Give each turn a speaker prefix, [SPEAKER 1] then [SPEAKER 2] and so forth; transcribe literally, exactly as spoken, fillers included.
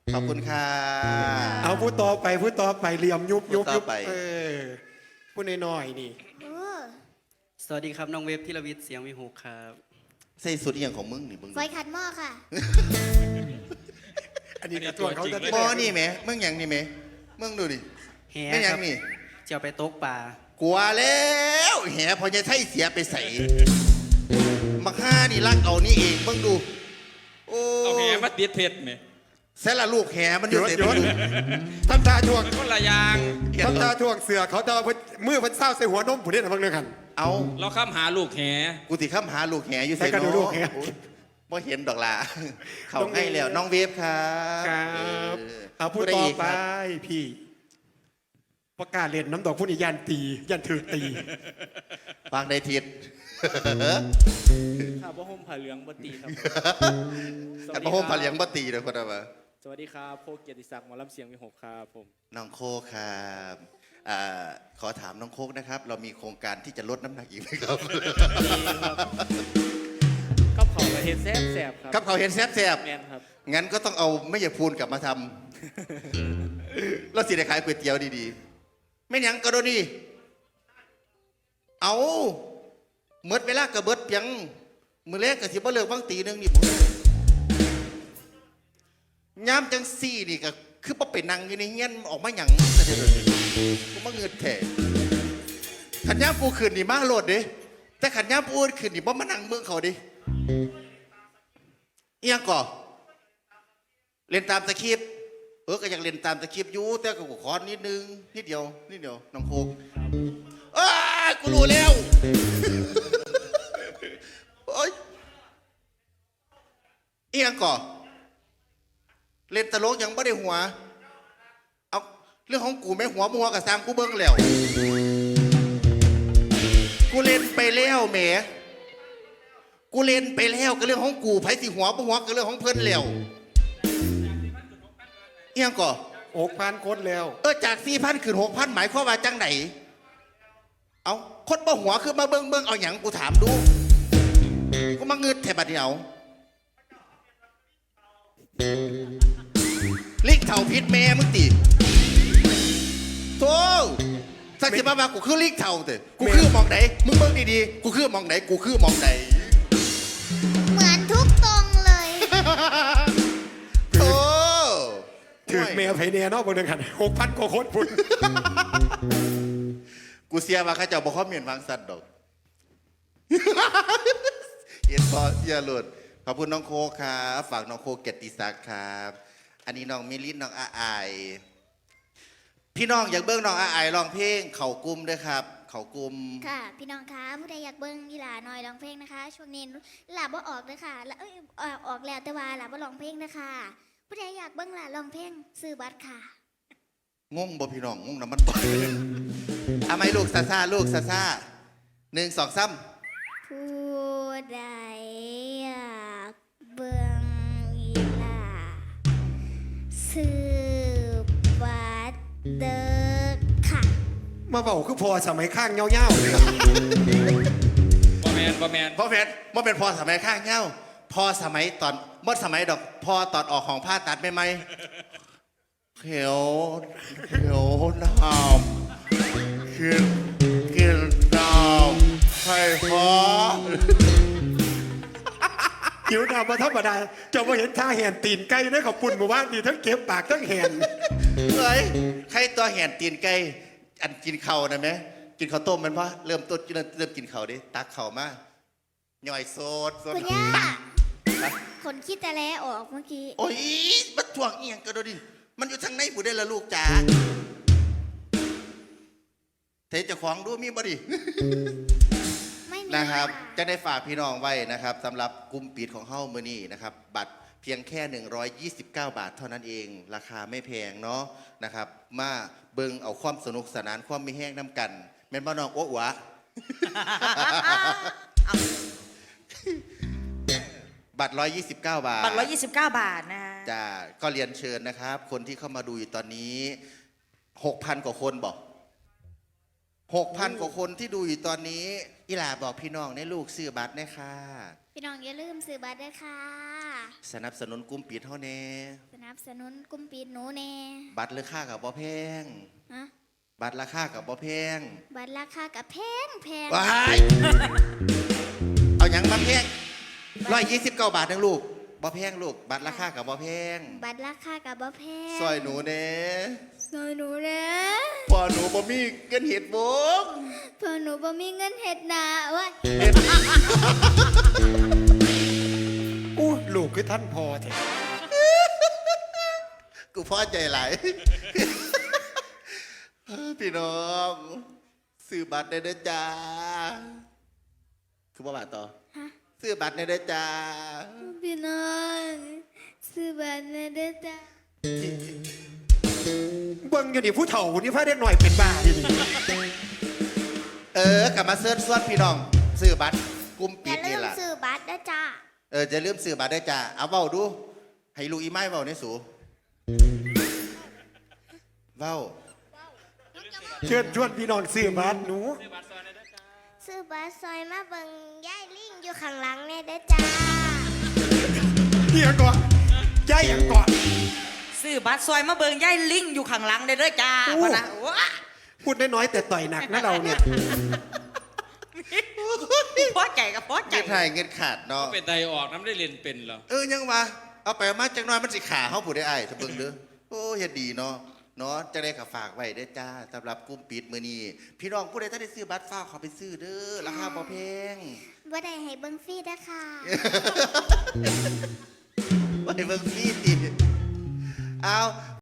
[SPEAKER 1] ขอบคุณค่ะ
[SPEAKER 2] เอาพูดต่อไปพูดต่อไปเหลี่ยมยุบยุบยุบ
[SPEAKER 1] ไป
[SPEAKER 2] เออพูดน้อยๆนี่
[SPEAKER 3] เออ
[SPEAKER 4] สวัสดีครับน้องเวฟธีรวิทย์เสียงวิหกครับ
[SPEAKER 1] ใส่สุดอหย่างของมึงนี่มึง
[SPEAKER 3] ไฟขัดหม้อค่ะ
[SPEAKER 2] อันนี้กระตัวเขาจะ
[SPEAKER 1] บอนี่ไหมมึงอย่างนี่ไหมมึงดูดิ
[SPEAKER 4] แห
[SPEAKER 1] ไม่อ
[SPEAKER 4] ค
[SPEAKER 1] ยั
[SPEAKER 4] รั
[SPEAKER 1] ง
[SPEAKER 4] บ
[SPEAKER 1] นี่
[SPEAKER 4] เจียวไปตกปลา
[SPEAKER 1] กลัวแล้วแหพอจะใช่เสียไปใส่มาฆ่านี่รักเอานี่เองมึงดูโอ้
[SPEAKER 5] เอาแหมาติดเพชรไหม
[SPEAKER 1] เสร็จละลูกแหมันอยู่เสร็จ
[SPEAKER 2] ย
[SPEAKER 1] มึ
[SPEAKER 2] ศ
[SPEAKER 1] งดู
[SPEAKER 2] ทำตาทวง
[SPEAKER 5] มันคนละอยาง
[SPEAKER 2] ทำตาทวงเสือเขาจะเอามือเพันเศร้าใส่หัวนมผู้นี้นะพังเรื่องหัน
[SPEAKER 1] เอา
[SPEAKER 5] เราข้ามหาลูกแห
[SPEAKER 1] กูติข้ามหาลูกแหอยู่เสร็จ
[SPEAKER 2] ใส่กระดูกลูกแห
[SPEAKER 1] บ่เห็นดอกละเขา
[SPEAKER 2] น้องเวฟ
[SPEAKER 1] ให้แล้วน้องเวฟครับ
[SPEAKER 2] ครับ
[SPEAKER 1] เออ
[SPEAKER 2] เอาพูด
[SPEAKER 1] ได้
[SPEAKER 2] ต่อ
[SPEAKER 1] อีก
[SPEAKER 2] ไป
[SPEAKER 1] ครับ
[SPEAKER 2] พี่ประกาศเล่นน้ำดอกพูดอีกยันตียันถือตี
[SPEAKER 1] วางในทิศ
[SPEAKER 6] ครับว่าห่มผ้าเหลืองบตีครับ
[SPEAKER 1] กันมาโฮมผาเลียงบ่ตีเลยคนละวะ
[SPEAKER 6] สวัสดีครับโคเกียรติศักดิ์หมอลำเสียงวิหกครับผม
[SPEAKER 1] น้องโคกครับอ่าขอถามน้องโคกนะครับ เรามีโครงการที่จะลดน้ำหนักอีกไหมครับ
[SPEAKER 6] กับเขาประเทศแซ่บแซ่บครับ
[SPEAKER 1] กับเขาวเห็นแซ่บ
[SPEAKER 6] แมนครับ
[SPEAKER 1] ๆงั้นก็ต้องเอาไม่อย่าพูนกลับมาทำ แล้วสิได้ขายก๋วยเตี๋ยวดีๆ ไม่หยังก็โดนนี่เอาเมื่อเวลากระเบิดเพียงมือแรกกับสิบ่เลิกบางตีหนึงนี่ผมย้ำจังซี่นี่ก็คือบ่ไปนั่งอยู่ในเงี้ยนออกมาหยังซะเด้อกูมาเงินแท้ขันย้ำกูขึ้นนี่มาโลดเด้แต่ขันย้ำกูขึ้นนี่บ่มานั่งเมืองเขาดิเอียงก่อเล่นตามสคริปต์เออก็อยากเล่นตามสคริปต์อยู่แต่ก็ขอนิดนึงนิดเดียวนิดเดียวน้องโคกเอ้ยกูรู้แล้วโอ้ยเอียงก่อเล่นตลกยังไม่ได้หัวเอาเรื่องของกูไม่หัวมัวกับสร้างกูเบิ้งแล้วกูเล่นไปแล้วแหมกูเล่นไปแล้วก็เรื่องของกูไผสิหัวบ่หัวก็เรื่องของเพิ่นแล้วเอียงก่อ
[SPEAKER 2] อกพานโคตรแล้ว
[SPEAKER 1] เออจากสี่พันขึ้นหกพันหมายความว่าจังไหนเอาคนบ่หัวคือมาเบิ้งเบิ้งเอาหยังกูถามดูกูมาเงินแถบัดเดียวลิกเถ่าพิษแม่มึงตีโธ่สักสิบ้ามากูคือลิกเถ่าเถอะกูคือมองไหนมึงเบิ้งดีๆกูคือมองไหนกูคือมองไหน
[SPEAKER 3] เหมือนทุกตรงเลย
[SPEAKER 1] โธ่
[SPEAKER 2] ถือเมียไผเนียเนาะบนเรื่องหันหกพันกว่าคนพุ่น
[SPEAKER 1] กูเสียมาข้าเจ้าบอกเขาเมียนวางสัตว์ดอกเอ็นพอเสียหลุดขอบคุณน้องโคครับฝากน้องโคเกียรติศักดิ์ครับอันนี้น้องมิลินน้องอาอายพี่น้องอยากเบิ้งน้องอาอายร้องเพลงเข่ากลุ่มด้วยครับ เข่ากลุ่ม
[SPEAKER 3] ค่ะ พี่น้องคะผู้ใดอยากเบิ้งอีหลาหน่อยร้องเพลงนะคะ ช่วงนี้หลาบ่ออกเลยค่ะแล้วเอ้ยเอ่อออกแล้วแต่ว่าหลาบ่ร้องเพลงนะคะผู้ใดอยากเบิ้งหลาร้องเพลงซื้อบัตรค่ะ
[SPEAKER 1] งงบ่พี่น้องงงน้ำมันบ่ทำไมลูกซาซาลูกซาซาหนึ่งสองซ้
[SPEAKER 3] ผู้ใดอยากเบิ้งอีหลาซื้อบัตรเด้อค่ะ
[SPEAKER 2] มาบอกคือพอสมัยข้างเงี้ยวๆเลย
[SPEAKER 5] บอแมนบอแมน
[SPEAKER 1] ำพ่อแพนบ่เป็นพอสมัยข้างเงาพอสมัยตอนบ่สมัยดอกพอตอนออกของผ้าตัดไม่ไหมเขียวเขียวน้ำกินกินน้ำไข่พอ
[SPEAKER 2] หิวดำมาธรรมดาจะมาเห็นท่าแหนตีนไก่ได้ขอบปุ่นหมู่บ้านดีทั้งเก็บปากทั้งแหน
[SPEAKER 1] เฮ้ยใครตัวแห่นตีนไก่อันกินเข่านะไหมกินข้าวต้มมันปะเริ่มต้นเริ่มเริ่มกินเข่าดิตักเข่ามาย่อยโซดโซด
[SPEAKER 3] คุณย่าคนคิดแต่แลออกเมื่อกี้
[SPEAKER 1] โอ้ยมันถ่วงเอียงก็ดูดิมันอยู่ทางในผู้ได้ละลูกจ๋าเทจะของดูมีบ่ดิ
[SPEAKER 3] ไม่มี
[SPEAKER 1] นะครับ
[SPEAKER 3] ะ
[SPEAKER 1] จะได้ฝากพี่น้องไว้นะครับสำหรับกลุ่มปิดของเฮ้ามือนี่นะครับบัตรเพียงแค่หนึ่งร้อยยี่สิบเก้าบาทเท่านั้นเองราคาไม่แพงเนาะนะครับมาเบิ่งเอาความสนุกสนานความมีแห้งน้ำกันแม่นบ้านน้องโอ้หวะ บัตรหนึ่งร้อยยี่สิบเก้าบาท
[SPEAKER 7] บัตรร้อยยี่สิบเก้าบาทนะ
[SPEAKER 1] จ้าก็เรียนเชิญนะครับ คนที่เข้ามาดูอยู่ตอนนี้หกพันกว่าคนบอกหกพันกว่าคนที่ดูอยู่ตอนนี้อีหลาบอกพี่น้องในลูกซื้อบัตรนะค่ะ
[SPEAKER 3] พี่น้องอย่าลืมซื้อบัตรด้วยค่ะ
[SPEAKER 1] สนับสนุนกลุ่มปิดเฮาแน่
[SPEAKER 3] สนับสนุนกลุ่มปิดหนูแน่
[SPEAKER 1] บัตรราคากับบ่แพง
[SPEAKER 3] ฮะ
[SPEAKER 1] บัตรราคากับบ่แพง
[SPEAKER 3] บัตรราคากับแพงแพง
[SPEAKER 1] ว้ายเอาหยังมาแพงร้อยยี่สิบเก้าบาทนึงลูกบ่แพงลูก บัตรราคากับบ่แพง
[SPEAKER 3] บัตรราคากับบ่แพง
[SPEAKER 1] ซอยหนูแน่
[SPEAKER 3] ซอยหนูแน่
[SPEAKER 1] พอหนูบ่มีเงินเห็ดบง
[SPEAKER 3] เพอหนูบ่มีเงินเฮ็ดนาว่า
[SPEAKER 2] อู้ลูกคือท่านพอแท้
[SPEAKER 1] กูพอใจหลาย พี่น้องซื้อบัตรได้เด้อจ้า คือบ่บาทต่อ
[SPEAKER 3] ฮะ
[SPEAKER 1] ซื้อบัตรได้เด้อจ้า
[SPEAKER 3] พี่น้องซื้อบัตรเลยเด้อจ้า
[SPEAKER 2] เบิ่งอยู่นี่ผู้เฒ่านี่พาเด็กหน่อยเป็นบ้าดิ
[SPEAKER 1] เออกลับมาเซิร์ชส่วนพี่น้องซื้อบัตรกลุ่ม
[SPEAKER 3] อ
[SPEAKER 1] ปิ
[SPEAKER 3] ย่า
[SPEAKER 1] ด
[SPEAKER 3] ลื
[SPEAKER 1] นี่
[SPEAKER 3] ม
[SPEAKER 1] ล่ะ
[SPEAKER 3] ซื้อบัตรนะจ้า
[SPEAKER 1] เออจะลืมซื้อบัตรได้อจ้า เอาเว้าดู ให้ลูกอีไม้เว้าในสูเว้า
[SPEAKER 2] เชิญชวนพี่น้องซื้อบัตรหนู
[SPEAKER 3] ซื้อบัตรซอยมาเบิ่งยายลิงอยู่ข้างหลังแน่เด้อจ้า
[SPEAKER 2] เฮียก่อนใจยังก่อน
[SPEAKER 7] ซื้อบัตรซอยมาเบิงย่ายลิงอยู่ข้างหลังได้เด้อจ้า
[SPEAKER 2] โอ้
[SPEAKER 7] พะนะว้า
[SPEAKER 2] พูดน้อยๆแต่ต่อยหนักนะเราเนี่ย
[SPEAKER 7] พอใจกับพอใจ
[SPEAKER 1] เงินไทยเงินขาดเนาะ
[SPEAKER 5] เป็นไตออกน้ำได้เรียนเป็นเหรอ
[SPEAKER 1] เออยังวะเอาไปมาจังน้อยมันสิขาเฮาผู้ได้อ้ายถ้าเบิ่งเด้อโอ้เฮ็ดดีเนาะเนาะจะได้ก็ฝากไว้เด้อจ้าสำหรับกลุ่มปิดมื้อนี้พี่น้องผู้ใดถ้าได้ซื้อบัตรฝากเขาไปซื้อเด้อราคาบ่แพง
[SPEAKER 3] บ่ได้ให้เบิ่งฟรีเด้อค่ะ
[SPEAKER 1] ไปเบิ่งฟรีติเอา